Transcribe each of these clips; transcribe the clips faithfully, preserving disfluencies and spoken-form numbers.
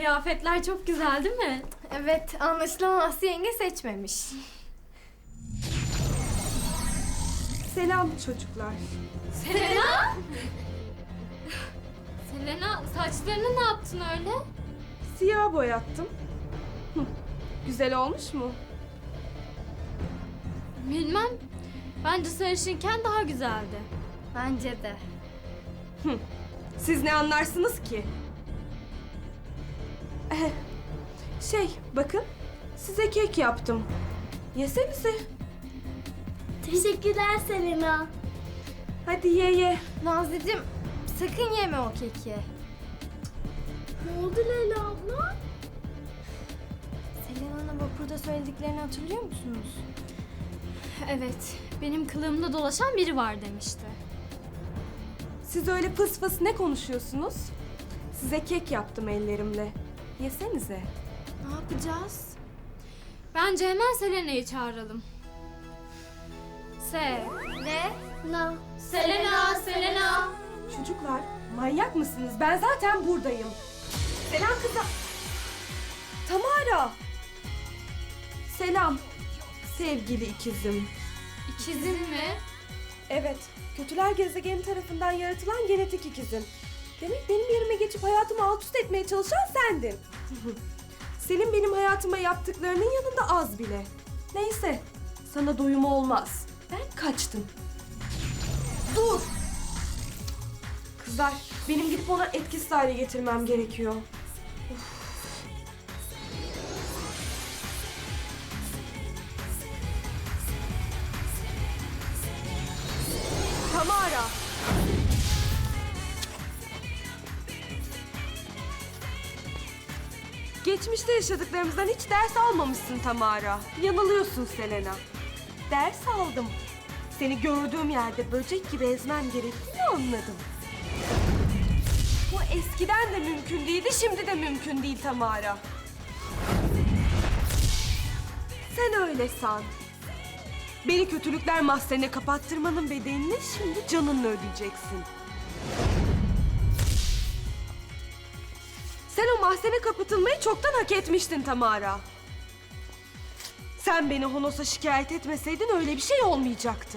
kıyafetler çok güzel değil mi? Evet, anlaşılan Aslı yenge seçmemiş. Selam çocuklar. Selena! Selena, saçlarını ne yaptın öyle? Siyah boyattım. Hı, güzel olmuş mu? Bilmem. Bence sarışınken daha güzeldi. Bence de. Hı, siz ne anlarsınız ki? Eh, şey, bakın. Size kek yaptım. Yesenize. Teşekkürler Selena. Hadi ye ye. Nazlıcığım, sakın yeme o keki. Ne oldu Leyla abla? Selena'nın vapurda söylediklerini hatırlıyor musunuz? Evet, benim kılığımda dolaşan biri var demişti. Siz öyle pıs pıs ne konuşuyorsunuz? Size kek yaptım ellerimle. Yesenize. Ne yapacağız? Bence hemen Selena'yı çağıralım. Se. Ne? Na. Selena, Selena. Çocuklar, manyak mısınız? Ben zaten buradayım. Selam kızım. Tamara. Selam. Sevgili ikizim. İkizin mi? Evet, kötüler gezegeni tarafından yaratılan genetik ikizim. Demek benim yerime geçip hayatımı alt üst etmeye çalışan sendin. Senin benim hayatıma yaptıklarının yanında az bile. Neyse, sana doyum olmaz. Ben kaçtım. Dur! Kızlar, benim gidip onu etkisiz hale getirmem gerekiyor. Of. Tamara! Geçmişte yaşadıklarımızdan hiç ders almamışsın Tamara. Yanılıyorsun Selena. Ders aldım. Seni gördüğüm yerde böcek gibi ezmem gerektiğini anladım. Bu eskiden de mümkün değildi, şimdi de mümkün değil Tamara. Sen öyle san. Beni kötülükler mahzenine kapattırmanın bedelini şimdi canınla ödeyeceksin. Sen o mahzene kapatılmayı çoktan hak etmiştin Tamara. Sen beni Honos'a şikayet etmeseydin öyle bir şey olmayacaktı.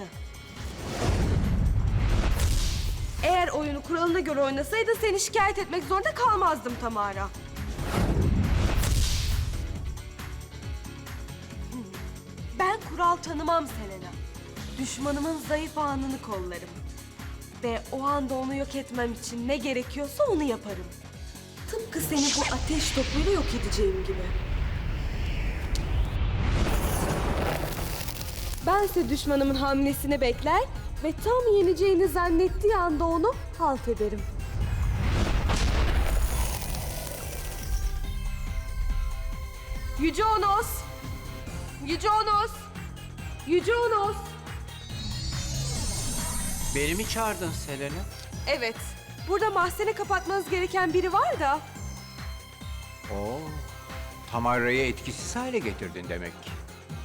Eğer oyunu kuralına göre oynasaydın seni şikayet etmek zorunda kalmazdım Tamara. Ben kural tanımam Selena. Düşmanımın zayıf anını kollarım. Ve o anda onu yok etmem için ne gerekiyorsa onu yaparım. Tıpkı seni bu ateş topuyla yok edeceğim gibi. Bense düşmanımın hamlesini bekler ve tam yeneceğini zannettiği anda onu halt ederim. Yüce Onos! Yüce Onos! Yüce Onos! Beni mi çağırdın Selena? Evet, burada mahzene kapatmanız gereken biri var da. Oo, Tamara'yı etkisiz hale getirdin demek ki.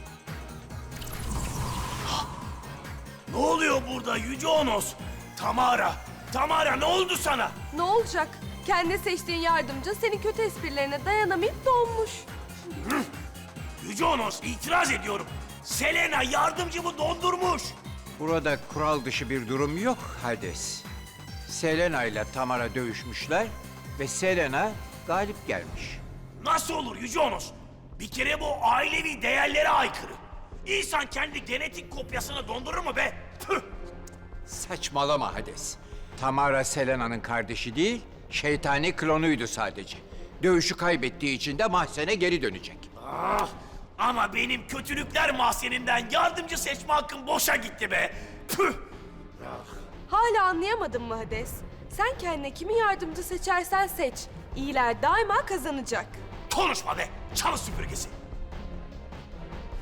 Ne oluyor burada Yüce Onos? Tamara, Tamara ne oldu sana? Ne olacak? Kendi seçtiğin yardımcı senin kötü esprilerine dayanamayıp donmuş. Yüce Onos itiraz ediyorum. Selena yardımcımı dondurmuş. Burada kural dışı bir durum yok Hades. Selena ile Tamara dövüşmüşler ve Selena galip gelmiş. Nasıl olur Yüce Onos? Bir kere bu ailevi değerlere aykırı. İnsan kendi genetik kopyasını dondurur mu be? Tüh! Saçmalama Hades. Tamara Selena'nın kardeşi değil, şeytani klonuydu sadece. Dövüşü kaybettiği için de mahzene geri dönecek. Ah, ama benim kötülükler mahzeninden yardımcı seçme hakkım boşa gitti be. Tüh! Hala anlayamadın mı Hades? Sen kendine kimi yardımcı seçersen seç. İyiler daima kazanacak. Konuşma be, çalı süpürgesi.